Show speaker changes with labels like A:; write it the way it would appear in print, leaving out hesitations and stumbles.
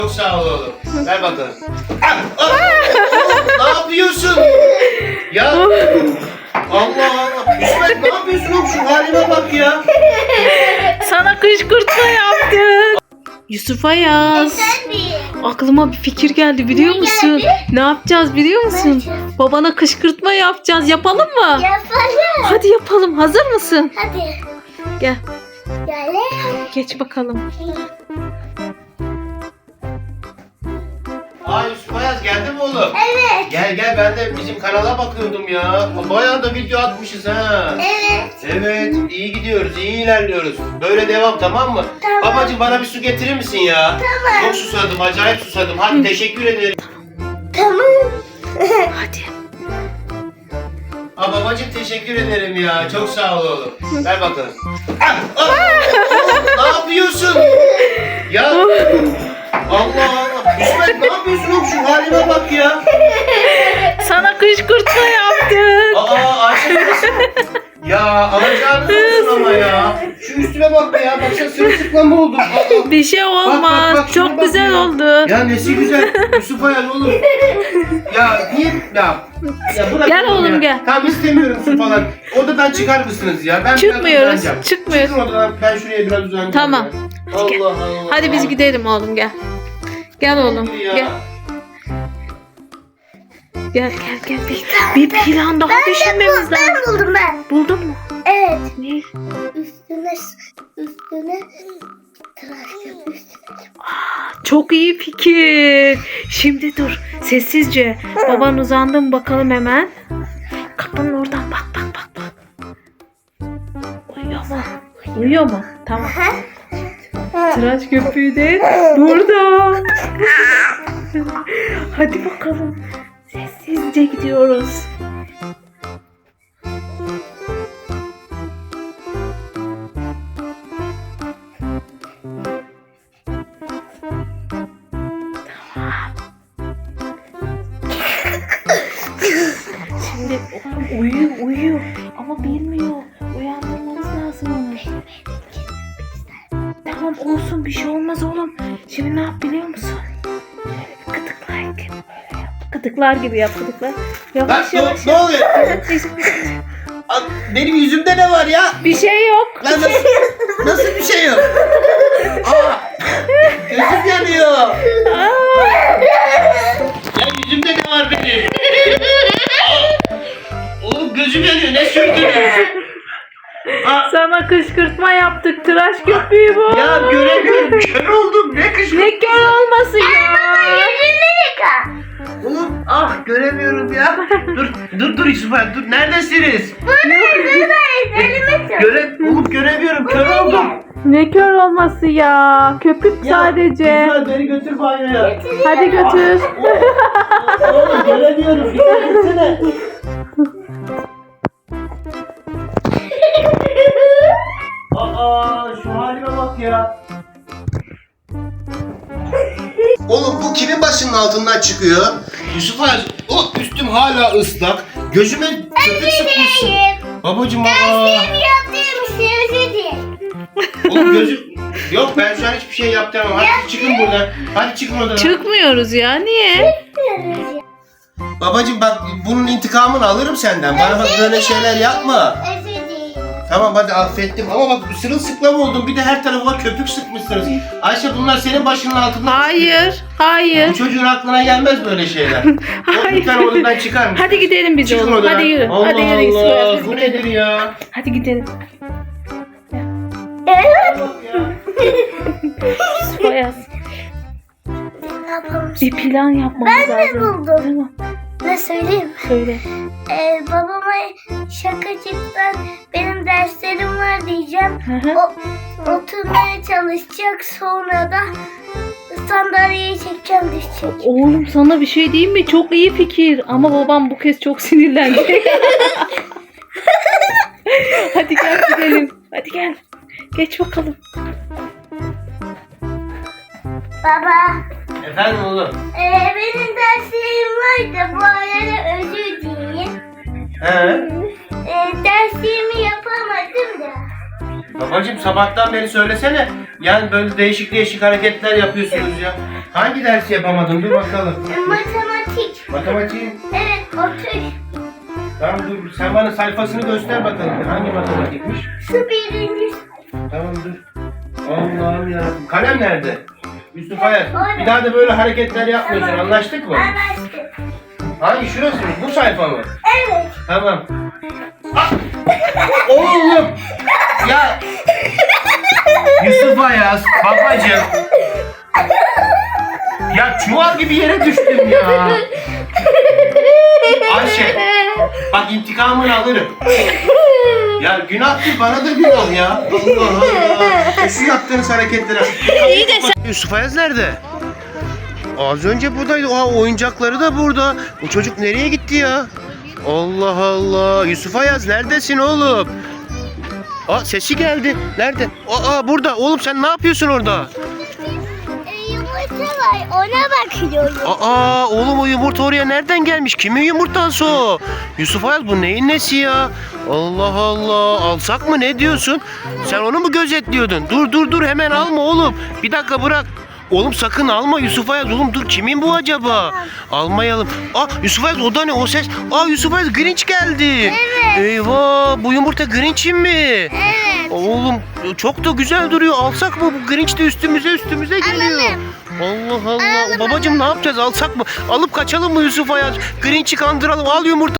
A: Çok sağ ol oğlum. Ver bakalım. Ne yapıyorsun? Ya Allah Allah. İsmet ne yapıyorsun oğlum? Şu halime bak ya.
B: Sana kışkırtma yaptım. Yusuf Ayaz. Aklıma bir fikir geldi biliyor musun?
C: geldi?
B: Ne yapacağız biliyor musun?
C: Ne yapacağız?
B: Babana kışkırtma yapacağız. Yapalım mı?
C: Yapalım.
B: Hadi yapalım. Hazır mısın?
C: Hadi.
B: Gel.
C: Gel.
B: Geç bakalım.
A: Aa Yusuf Ayaz geldi mi oğlum?
C: Evet.
A: Gel ben de bizim kanala bakıyordum ya. Bayağı da video atmışız ha.
C: Evet.
A: Evet iyi gidiyoruz, iyi ilerliyoruz. Böyle devam, tamam mı?
C: Tamam.
A: Babacığım bana bir su getirir misin ya?
C: Tamam.
A: Çok susadım, acayip susadım. Hadi teşekkür ederim.
C: Tamam.
B: Hadi.
A: Aa babacığım teşekkür ederim ya. Çok sağ ol oğlum. Ver bakalım. Ne yapıyorsun? Ya Allah Allah. İsmet ne yapıyorsun oğlum? Şu halime bak ya.
B: Sana kışkırtma yaptım.
A: Aa Ayşe nasıl? Ya alacağınız olsun ama ya. Şu üstüme bak ya. Baksana sırılsıklam oldum. Aa.
B: Bir şey olmaz.
A: Bak, şuna
B: Çok
A: bak
B: güzel
A: ya.
B: oldu.
A: Ya nesi güzel. Yusuf Ayaz oğlum. Ya niye? Ya bırak
B: Gel oğlum,
A: ya.
B: gel.
A: Tamam istemiyorum su falan. Odadan çıkar mısınız ya? Ben biraz
B: Çıkmıyoruz.
A: uzanacağım.
B: Çıkmıyoruz.
A: Çıkın odadan. Ben şuraya biraz uzanacağım.
B: Tamam.
A: Ya.
B: Hadi gel.
A: Allah Allah.
B: Hadi biz gidelim oğlum gel. Gel oğlum.
A: Ya.
B: Gel. Gel. Bir plan daha düşünmemiz lazım.
C: Ben buldum ben.
B: Buldun mu?
C: Evet.
B: Ne?
C: Üstüne tıraş yap üstüne.
B: Çok iyi fikir. Şimdi dur. Sessizce. Baban uzandı mı bakalım hemen. Kapının oradan bak. Uyuyor mu? Uyuyor mu? Tamam. Tıraş köpüğü de burada. Hadi bakalım. Sessizce gidiyoruz. Şimdi uyuyor ama bilmiyor. Uyandırmamız lazım onu. Tamam olsun bir şey olmaz oğlum. Şimdi ne yap biliyor musun? Şöyle gıdıklar gibi yap gıdıklar. Yavaş
A: Lan
B: yavaş.
A: ne oluyor? Aa, benim yüzümde ne var ya?
B: Bir şey yok.
A: Lan nasıl bir şey yok? Aa, gözüm yanıyor. Ya yüzümde ne var benim? Aa, oğlum gözüm yanıyor. Ne sürdünüz?
B: Sana kışkırtma yaptık. Tıraş köpüğü bu.
A: Ya göremiyorum. Kör oldum. Ne kışkırtması?
B: Ne kör olması ya.
C: Yüzünü yıka.
A: Oğlum göremiyorum ya. Dur Yusuf abi dur. Neredesiniz?
C: Buradayız. Elime tut.
A: Oğlum göremiyorum. Kör oldum.
B: Ne kör olması ya. Köpük
A: Ya,
B: sadece.
A: Güzel beni götür banyoya.
B: Hadi götür.
A: Oğlum göremiyorum. Dikkat etsene. Aa şu halime bak ya. Oğlum bu kimin başının altından çıkıyor? Yusuf Ayaz, üstüm hala ıslak. Gözüme köpük sıkmışsın. Babacım
C: Benim yaptığım şey özür dilerim.
A: Oğlum gözüm... Yok ben şu an hiçbir şey yaptıramam. Hadi çıkın buradan. Hadi çıkın odadan.
B: Çıkmıyoruz ya. Niye?
A: Babacım bak bunun intikamını alırım senden. Bana bak böyle şeyler yapma.
C: Özür dilerim.
A: Tamam hadi affettim ama bak sırılsıklam oldum. Bir de her tarafıma köpük sıkmışsınız. Ayşe bunlar senin başının altında.
B: Hayır.
A: Bu çocuğun aklına gelmez böyle şeyler.
B: Hayır.
A: Lütfen odadan çıkar mısın?
B: Hadi gidelim biz
A: Çıkın
B: oğlum.
A: odadan.
B: Hadi yürü.
A: Allah
B: Hadi yürü. Yusuf Ayaz,
A: Allah.
B: biz
A: Bu
B: gidelim.
A: nedir ya?
B: Hadi gidelim.
C: Evet.
B: Yusuf Ayaz,
C: Ne yapalım?
B: bir plan yapmamız
C: Ben
B: lazım.
C: de buldum.
B: Tamam.
C: Ne söyleyeyim?
B: Söyle.
C: Babama şakacıktan benim derslerim var diyeceğim.
B: Hı hı.
C: Oturmaya çalışacak, sonra da sandalyeyi çekeceğim, düşecek.
B: Oğlum sana bir şey diyeyim mi? Çok iyi fikir. Ama babam bu kez çok sinirlendi. Hadi gel gidelim. Hadi gel. Geç bakalım.
C: Baba,
A: Efendim oğlum?
C: benim derslerim var da bu arada özür dileyim.
A: He?
C: Derslerimi yapamadım da.
A: Babacım sabahtan beri söylesene. Yani böyle değişik hareketler yapıyorsunuz ya. Hangi dersi yapamadın? Dur bakalım.
C: Matematik.
A: Matematik.
C: Evet, otur.
A: Tamam dur. Sen bana sayfasını göster bakalım. Hangi matematikmiş?
C: Şu birinci.
A: Tamam dur. Allah'ım yarabbim. Kalem nerede? Yusuf Ayaz.
C: orada.
A: Bir daha da böyle hareketler yapmıyorsun.
C: Tamam.
A: Anlaştık mı?
C: Anlaştık.
A: Hangi şurası mı? Bu sayfa mı?
C: Evet.
A: Tamam. Ah! Oğlum! Ya! Yusuf Ayaz, babacığım. Ya çuval gibi yere düştüm ya. Ayşe, bak intikamını alırım. Ya günahtır, bana da günah ya. Allah Allah. Şu yaptığınız hareketlere.
B: İyi de sen...
A: Yusuf Ayaz nerede? Az önce buradaydı. Oha, oyuncakları da burada. Bu çocuk nereye gitti ya? Allah Allah. Yusuf Ayaz neredesin oğlum? Aa, sesi geldi. Nerede? Aa, burada. Oğlum sen ne yapıyorsun orada?
C: Yumurta var, ona bakıyorum.
A: Aa, oğlum o yumurta oraya nereden gelmiş? Kimin yumurtası o? Yusuf Ayaz, bu neyin nesi ya? Allah Allah. Alsak mı, ne diyorsun? Sen onu mu gözetliyordun? Dur hemen alma oğlum. Bir dakika bırak. Oğlum sakın alma Yusuf Ayaz. Oğlum dur, kimin bu acaba? Almayalım. Aa, Yusuf Ayaz, o da ne o ses? Aa, Yusuf Ayaz, Grinch geldi.
C: Evet.
A: Eyvah, bu yumurta Grinch'in mi?
C: Evet.
A: Oğlum çok da güzel duruyor. Alsak mı? Bu Grinch de üstümüze geliyor.
C: Alalım.
A: Allah Allah.
C: Alalım,
A: Babacım ne yapacağız? Alsak mı? Alıp kaçalım mı Yusuf Ayaz? Grinch'i kandıralım. Al yumurta.